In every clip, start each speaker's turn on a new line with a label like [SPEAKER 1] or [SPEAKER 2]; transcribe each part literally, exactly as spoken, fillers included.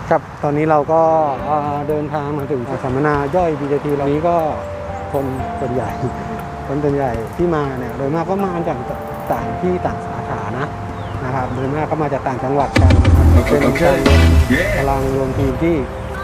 [SPEAKER 1] ครับตอนนี้เราก็เดินทางมาถึงสัมมนาย่อย บี ที ที เหล่านี้ก็คนส่วนใหญ่คนส่วนใหญ่ที่มาเนี่ยโดยมากก็มาจากต่างที่ต่างสาขานะนะครับโดยมากก็มาจากต่างจังหวัดกันเป็นการรวมพลังรวมทีมที่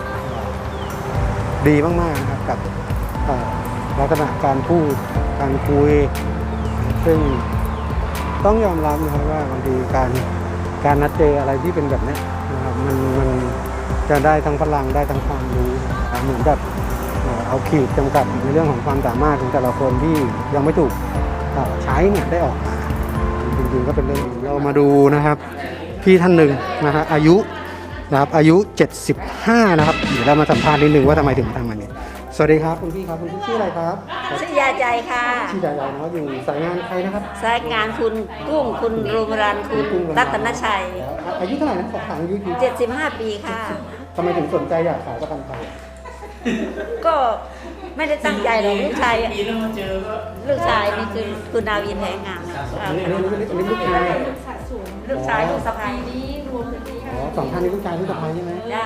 [SPEAKER 1] ดีมากๆนะครับกับลักษณะการพูดการคุยซึ่งต้องยอมรับนะครับว่าบางทีการการนัดเจออะไรที่เป็นแบบนี้นะครับมันมันจะได้ทั้งพลังได้ทั้งความรู้เหมือนกับเอาขีดจำกัดในเรื่องของความสามารถของแต่ละคนที่ยังไม่ถูกใช้เนี่ยได้ออกมาจริงๆก็เป็นเรื่องเรามาดูนะครับพี่ท่านหนึ่งนะฮะอายุนะครับอายุเจ็ดสิบห้านะครับเดี๋ยวเรามาสัมภาษณ์นิดนึงว่าทำไมถึงทำมันนี้สวัสดีครับคุณพี่ครับคุณพี่ชื่ออะไรครับ
[SPEAKER 2] ชื่อยาใจค่ะ
[SPEAKER 1] ชื่อยาใจเนาะอยู่สายงานใครนะครับ
[SPEAKER 2] สายงานคุณกุ้งคุณรุมรันคุณรัตนชัย
[SPEAKER 1] อายุเท่าไหร่นะขอถามอายุกี่
[SPEAKER 2] เจ็ดสิบห้าปีค่ะ
[SPEAKER 1] ทำไมถึงสนใจอยากขายประกันภัย
[SPEAKER 2] ก็ไม่ได้ตั้งใจหรอกลูกชายลูกชายนี่คือคุณนาวินแพงงาม
[SPEAKER 1] อันนี้อันนี้ลูกชาย
[SPEAKER 2] ลูกชายลูกสะใภ้
[SPEAKER 1] อ๋อสองท่านนี้ลูกชายลูกสะใภ้ใช่ไหม
[SPEAKER 2] จ้า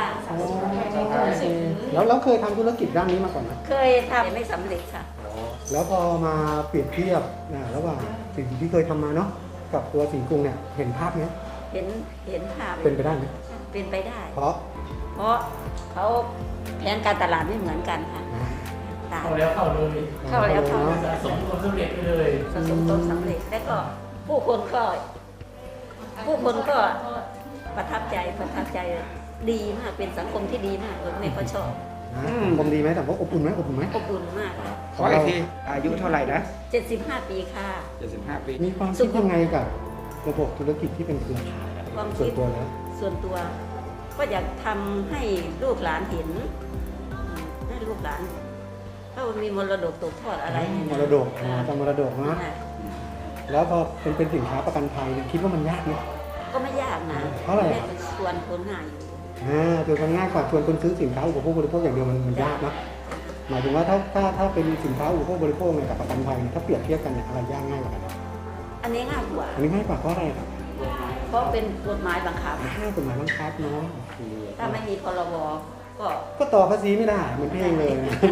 [SPEAKER 1] แล้วแล้วเคยทำธุรกิจด้านนี้มาก่อนไหม
[SPEAKER 2] เคยทำไม่สำเร็จค่ะ
[SPEAKER 1] แล้วพอมาเปรียบเทียบระหว่างสิ่งที่เคยทำมาเนาะกับตัวสีกรุงเนี่ยเห็นภาพไหม
[SPEAKER 2] เห็นเห็นภาพ
[SPEAKER 1] เป็นไปได้ไหม
[SPEAKER 2] เป็นไปได้
[SPEAKER 1] เพราะ
[SPEAKER 2] เพราะเขาแผนการตลาดไม่เหมือนกันค่ะ
[SPEAKER 3] เข้าแล้วเข้าเลย
[SPEAKER 2] เข้าแล้วเข้า
[SPEAKER 3] สะสมผลสำเร็จไปเลย
[SPEAKER 2] สะสมผลสำเร็จแล้วก็ผู้คนก็ผู้คนก็ประทับใจประทับใจดีมากเป็นสังคมที่ดีมากเลยแม่ก็ชอบ
[SPEAKER 1] สังคมดีไหมแต่ว่าอบอุ่นไหมอบอุ่นไหม
[SPEAKER 2] อบอุ่นมากค่ะ
[SPEAKER 4] ขออีกทีอายุเท่าไหร่นะ
[SPEAKER 2] เจ็ดสิบห้าปีค่ะ
[SPEAKER 4] เจ็ดสิบห้าปี
[SPEAKER 1] มีความคิดยังไงกับระบบธุรกิจที่เป็นเครือข่ายส่วนตัวแล้ว
[SPEAKER 2] ส่วนตัวก็อยากทำให้ลูกหลานเห็นให้ลูกหลานถ้ามีมรดกตกทอดอะไร
[SPEAKER 1] มรดกทำมรดกนะแล้วพอเป็นเป็นสินค้าประกันภัยคิดว่ามันยากไหม
[SPEAKER 2] ก็ไม่ยากนะ
[SPEAKER 1] เพราะอะไร
[SPEAKER 2] ชวนคนหาอยู่
[SPEAKER 1] อ่าชวนคนง่ายกว่าชวนคนซื้อสินค้าอุปโภคบริโภคอย่างเดียวมันมันยากนะหมายถึงว่าถ้าถ้าถ้าเป็นสินค้าอุปโภคบริโภคเนี่ยกับประกันภัยถ้าเปรียบเทียบกันเนี่ยอะไรยากง่ายกว่ากัน
[SPEAKER 2] อันนี้ง่ายกว่า
[SPEAKER 1] อันนี้ง่ายกว่าเพราะอะไรครับ
[SPEAKER 2] เพราะเป็นกฎหมายบังคับ
[SPEAKER 1] กฎหมายบังคับเนาะ
[SPEAKER 2] ถ้าไม่มีพรบก็
[SPEAKER 1] ก็ต่อภาษีไม่ได้เหมือนเพลงเลย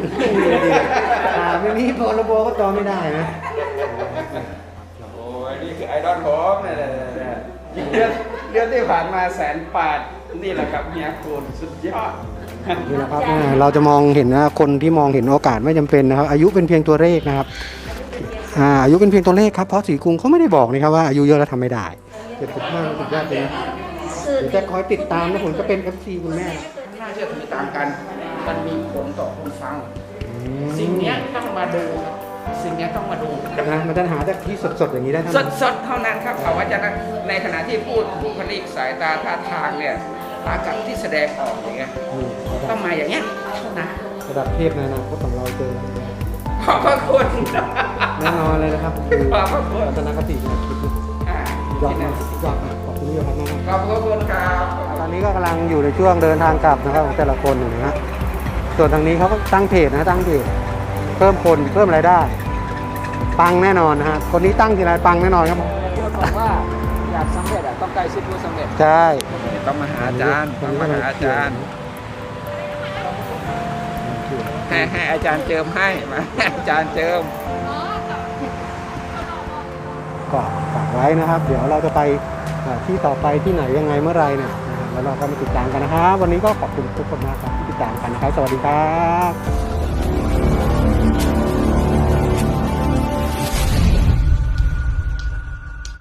[SPEAKER 1] ไม่มีพรบก็ต่อไม่ได้นะ
[SPEAKER 4] โอ้ยนี่คือไอดอลผมเนี่ยเดือนเดือนที่ผ่านมาแสนปาดนี่แหละครับเฮียคุณสุดยอด
[SPEAKER 1] นี่นะครับเราจะมองเห็นนะคนที่มองเห็นโอกาสไม่จำเป็นนะครับอายุเป็นเพียงตัวเลขนะครับอายุเป็นเพียงตัวเลขครับเพราะสีกรุงเขาไม่ได้บอกนะครับว่าอายุเยอะแล้วทำไม่ได้เจ็ดสิบห้าสุดยอดเลยจะคอยติดตามนะผมจะเป็น เอฟ ซี คุณแม่
[SPEAKER 4] น่าเชื่อถือตามกันมันมีผลต่อคนฟังสิ่งนี้ต้องมาดูสิ่งนี้ต้องมาดู
[SPEAKER 1] นะมันจะหาจากที่สดๆอย่างนี้ได้
[SPEAKER 4] สดๆเท่านั้นครับเขาว่าจะในขณะที่พูดบุคลิกสายตาท่าทางเนี่ยอากับที่แสดงออกอย่างเงี้ยต้องมาอย่างเงี้ยนะ
[SPEAKER 1] ระดับเทพในอนาคตของเราเจอ
[SPEAKER 4] ขอบพระคุณ
[SPEAKER 1] แน่นอนเลยนะครับ
[SPEAKER 4] ขอบพระคุณ
[SPEAKER 1] ทัศนคตินะคิดยอดมากยอดมากขอบคุณที่ยอดมาก
[SPEAKER 4] ขอบพระคุณครับ
[SPEAKER 1] ตอนนี้ก็กำลังอยู่ในช่วงเดินทางกลับนะครับของแต่ละคนอยู่นะฮะส่วนทางนี้เขาก็ตั้งเพจนะตั้งเพจเพิ่มคนเพิ่มรายได้ปังแน่นอนนะฮะคนนี้ตั้งทีไรปังแน่นอนครับ
[SPEAKER 3] บอกว่าอยากสำเร็จต้องใกล้ชิดผู้สำเร็จ
[SPEAKER 1] ใช่
[SPEAKER 4] ต้องมาหาอาจารย์ต้องมาหาอาจารย์ให้ให้อาจารย์เจิมให้มาให้อาจารย์เจิม
[SPEAKER 1] ก็ฝากไว้นะครับเดี๋ยวเราจะไปที่ต่อไปที่ไหนยังไงเมื่อไรเนี่ยแล้วเราก็มาติดตามกันนะครับวันนี้ก็ขอบคุณทุกคนมากครับที่ติดตามกันนะครับสวัสดีครับ